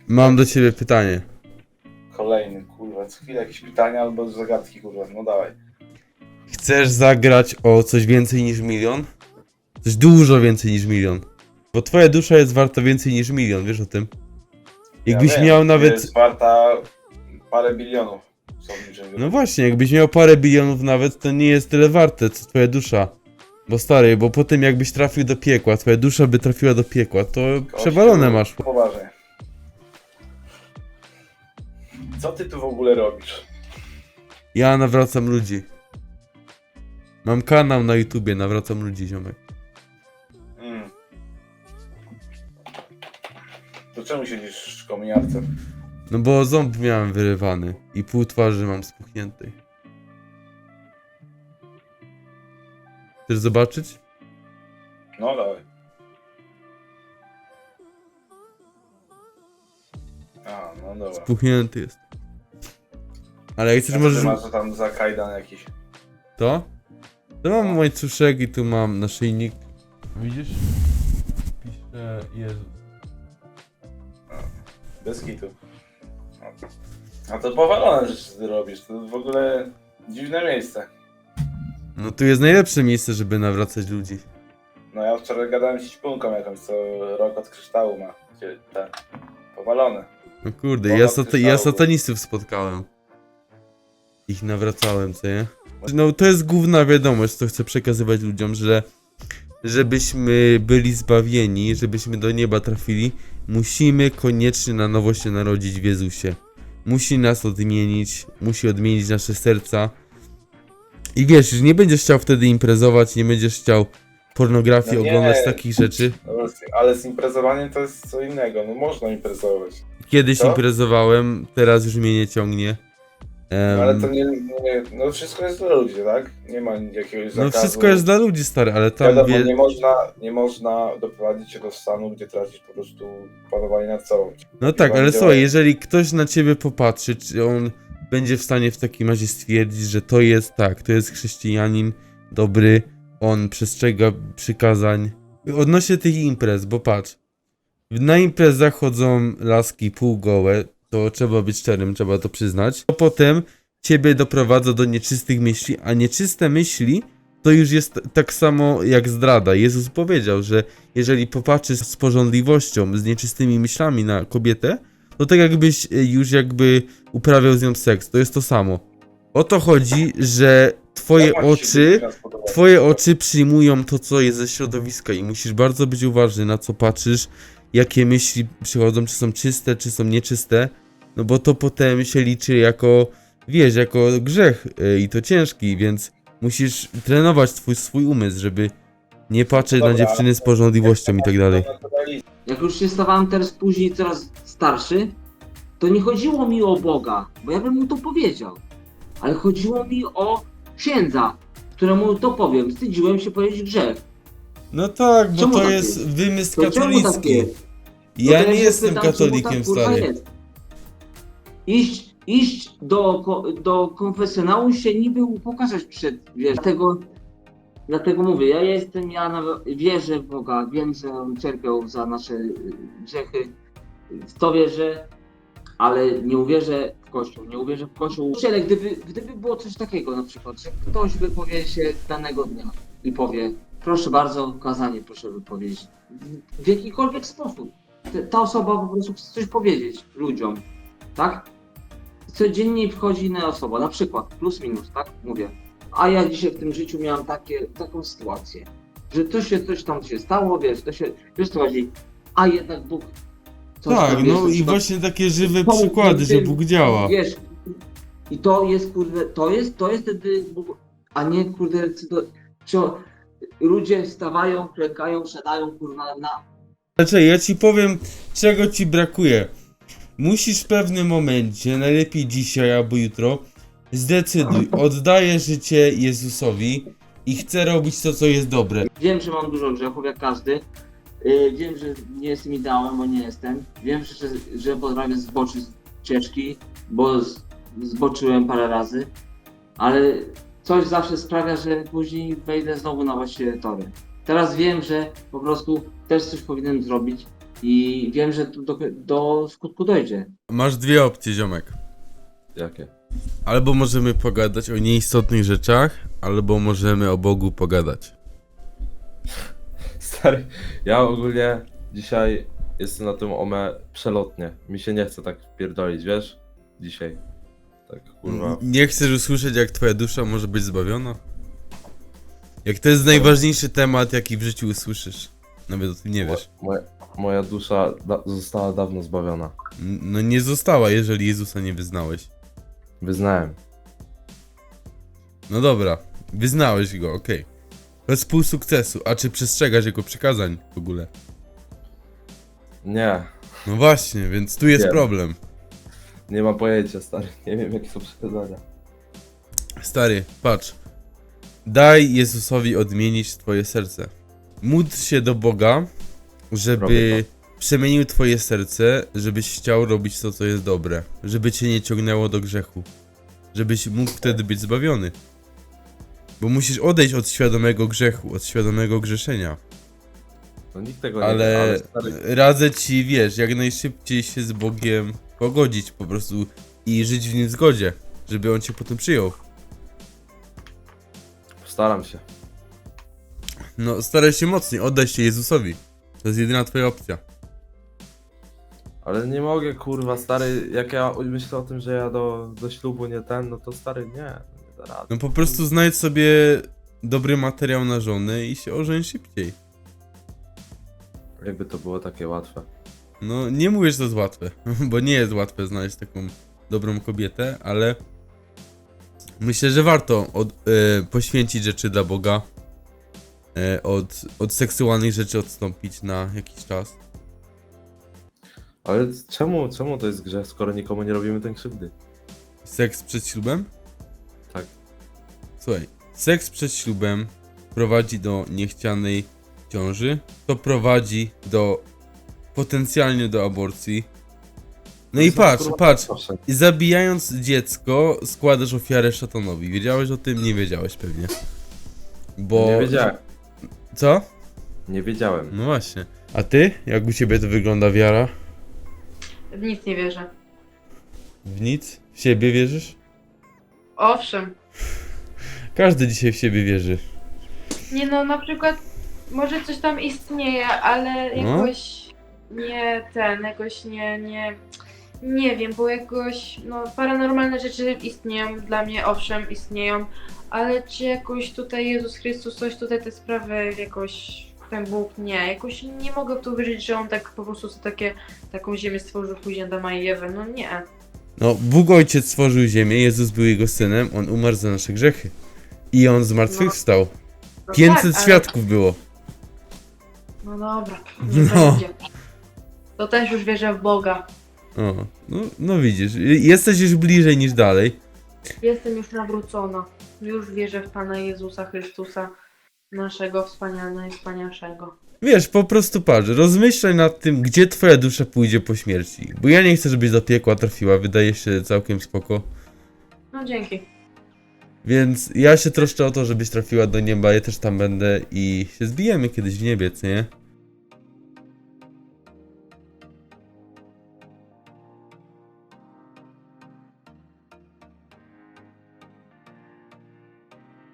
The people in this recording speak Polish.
Mam do ciebie pytanie. Kolejny, kurwa, co chwilę jakieś pytania albo zagadki, kurwa, no dawaj. Chcesz zagrać o coś więcej niż milion? Coś dużo więcej niż milion. Bo twoja dusza jest warta więcej niż milion, wiesz o tym? Jakbyś Ja wiem, miał że nawet... jest warta parę bilionów. Co w niczym No właśnie, jakbyś miał parę bilionów nawet, to nie jest tyle warte, co twoja dusza. Bo stary, bo potem jakbyś trafił do piekła, twoja dusza by trafiła do piekła, to przewalone masz. Poważnie. Co ty tu w ogóle robisz? Ja nawracam ludzi. Mam kanał na YouTubie, nawracam ludzi, ziomek. To czemu siedzisz w kominiarce? No bo ząb miałem wyrywany i pół twarzy mam spuchniętej. Chcesz zobaczyć? No dawaj. A, no dobra. Spuchnięty jest. Ale jak chcesz A co możesz... ty masz tam za kajdan jakiś? To? To mam łańcuszek i tu mam naszyjnik. Widzisz? Pisze Jezus. Bez kitu. A to powalone rzeczy ty robisz, to w ogóle dziwne miejsce. No tu jest najlepsze miejsce, żeby nawracać ludzi. No ja wczoraj gadałem z ćpunką jakąś, co rok od kryształu ma. Te powalone. No kurde, Ponad ja kryształu. satanistów spotkałem. Ich nawracałem, co nie? No to jest główna wiadomość, co chcę przekazywać ludziom, że żebyśmy byli zbawieni, żebyśmy do nieba trafili, musimy koniecznie na nowo się narodzić w Jezusie. Musi nas odmienić, musi odmienić nasze serca. I wiesz, że nie będziesz chciał wtedy imprezować, nie będziesz chciał pornografii No nie. oglądać takich rzeczy. No, ale z imprezowaniem to jest co innego, no można imprezować. Kiedyś Co? imprezowałem, teraz już mnie nie ciągnie. No, ale to nie, no wszystko jest dla ludzi, tak? Nie ma jakiegoś zakazu. No wszystko jest dla ludzi, stary, ale tam Wiadomo, nie można doprowadzić się do stanu, gdzie tracisz po prostu panowanie nad sobą. No tak, ale Będzie- słuchaj, jeżeli ktoś na ciebie popatrzy, czy on będzie w stanie w takim razie stwierdzić, że to jest tak, to jest chrześcijanin dobry, on przestrzega przykazań. Odnośnie tych imprez, bo patrz, na imprezach chodzą laski półgołe, to trzeba być szczerym, trzeba to przyznać. To potem ciebie doprowadza do nieczystych myśli, a nieczyste myśli to już jest tak samo jak zdrada. Jezus powiedział, że jeżeli popatrzysz z pożądliwością, z nieczystymi myślami na kobietę, to tak jakbyś już jakby uprawiał z nią seks. To jest to samo. O to chodzi, że twoje oczy przyjmują to, co jest ze środowiska i musisz bardzo być uważny, na co patrzysz, jakie myśli przychodzą, czy są czyste, czy są nieczyste, no bo to potem się liczy jako, wiesz, jako grzech i to ciężki, więc musisz trenować swój umysł, żeby nie patrzeć na dziewczyny z pożądliwością i tak dalej. Jak już się stawałem teraz później coraz starszy, to nie chodziło mi o Boga, bo ja bym mu to powiedział, ale chodziło mi o księdza, któremu to powiem. Wstydziłem się powiedzieć grzech. No tak, bo Czemu to tak jest jest? wymysł To czemu tak katolicki. jest? Ja to nie się jestem pytam, czemu katolikiem, tak, kurwa, stary. jest? Iść do konfesjonału się niby pokazać przed, wiesz, dlatego mówię, wierzę w Boga, wiem, że On cierpiał za nasze grzechy, w to wierzę, ale nie uwierzę w Kościół, nie uwierzę w Kościół. Ale gdyby było coś takiego na przykład, że ktoś wypowie się danego dnia i powie, proszę bardzo, kazanie proszę wypowiedzieć, w jakikolwiek sposób, ta osoba po prostu chce coś powiedzieć ludziom, tak? Codziennie wchodzi inna osoba, na przykład plus minus, tak? Mówię. A ja dzisiaj w tym życiu miałam taką sytuację, że coś tam się stało, wiesz co chodzi, a jednak Bóg coś Tak, tam, wiesz, no na i przykład właśnie takie żywe pomógł mi przykłady, w że tym, Bóg działa. Wiesz, i to jest kurde, to jest wtedy Bóg, a nie kurde, ludzie wstawają, klękają, siadają kurwa na... Znaczy, ja ci powiem, czego ci brakuje. Musisz w pewnym momencie, najlepiej dzisiaj albo jutro, zdecyduj, oddaję życie Jezusowi i chcę robić to, co jest dobre. Wiem, że mam dużo grzechów, jak każdy. Wiem, że nie jestem ideałem, bo nie jestem. Wiem, że potrafię zboczyć z ścieżki, bo zboczyłem parę razy. Ale coś zawsze sprawia, że później wejdę znowu na właściwe tory. Teraz wiem, że po prostu też coś powinienem zrobić, I wiem, że to do skutku dojdzie. Masz dwie opcje, ziomek. Jakie? Albo możemy pogadać o nieistotnych rzeczach, albo możemy o Bogu pogadać. Stary, ja ogólnie dzisiaj jestem na tym OME przelotnie. Mi się nie chce tak pierdolić, wiesz? Dzisiaj. Tak, kurwa. Nie chcesz usłyszeć, jak twoja dusza może być zbawiona? Jak to jest najważniejszy temat, jaki w życiu usłyszysz. Nawet o tym nie wiesz. Moja dusza została dawno zbawiona. No nie została, jeżeli Jezusa nie wyznałeś. Wyznałem. No dobra, wyznałeś go, okej. Bez pół sukcesu, a czy przestrzegasz jego przykazań w ogóle? Nie. No właśnie, więc tu jest Wiem. problem. Nie mam pojęcia, stary. Nie wiem, jakie są przykazania. Stary, patrz. Daj Jezusowi odmienić twoje serce. Módl się do Boga, żeby Robię przemienił twoje serce, żebyś chciał robić to, co jest dobre. Żeby cię nie ciągnęło do grzechu. Żebyś mógł wtedy być zbawiony. Bo musisz odejść od świadomego grzechu, od świadomego grzeszenia. No nikt tego nie wie, Ale ale stary, radzę ci, wiesz, jak najszybciej się z Bogiem pogodzić po prostu i żyć w nim w zgodzie, żeby on cię potem przyjął. postaram się. No, staraj się mocniej, oddaj się Jezusowi. To jest jedyna twoja opcja. Ale nie mogę, kurwa, stary, jak ja myślę o tym, że ja do ślubu nie ten, no to stary, nie da rady. No po prostu znajdź sobie dobry materiał na żonę i się ożeń szybciej. Jakby to było takie łatwe. No, nie mówię, że to jest łatwe, bo nie jest łatwe znaleźć taką dobrą kobietę, ale myślę, że warto poświęcić rzeczy dla Boga, od seksualnych rzeczy odstąpić na jakiś czas. Ale czemu to jest grzech, skoro nikomu nie robimy tej krzywdy? Seks przed ślubem? Tak. Słuchaj, seks przed ślubem prowadzi do niechcianej ciąży, to prowadzi potencjalnie do aborcji. No i patrz, i zabijając dziecko składasz ofiarę szatanowi. Wiedziałeś o tym? Nie wiedziałeś pewnie. Bo... Nie wiedziałem. Co? Nie wiedziałem. No właśnie. A ty? Jak u ciebie to wygląda wiara? W nic nie wierzę. W nic? W siebie wierzysz? Owszem. Każdy dzisiaj w siebie wierzy. Nie no, na przykład może coś tam istnieje, ale No. jakoś jakoś nie wiem, bo jakoś, no paranormalne rzeczy istnieją, dla mnie owszem istnieją, ale czy jakoś tutaj Jezus Chrystus, coś tutaj te sprawy jakoś, ten Bóg, nie, jakoś nie mogę w to wierzyć, że On tak po prostu taką ziemię stworzył później Adama i Ewę, no nie. No, Bóg Ojciec stworzył ziemię, Jezus był jego synem, on umarł za nasze grzechy. I on zmartwychwstał. No 500 tak, ale- świadków było. No dobra, nie No. będzie. To też już wierzę w Boga. O, no widzisz, jesteś już bliżej niż dalej. Jestem już nawrócona. Już wierzę w Pana Jezusa Chrystusa, naszego najwspanialszego. Wiesz, po prostu patrz, rozmyślaj nad tym, gdzie twoja dusza pójdzie po śmierci. Bo ja nie chcę, żebyś do piekła trafiła, wydaje się całkiem spoko. No dzięki. Więc ja się troszczę o to, żebyś trafiła do nieba, ja też tam będę i się zbijemy kiedyś w niebie, co nie?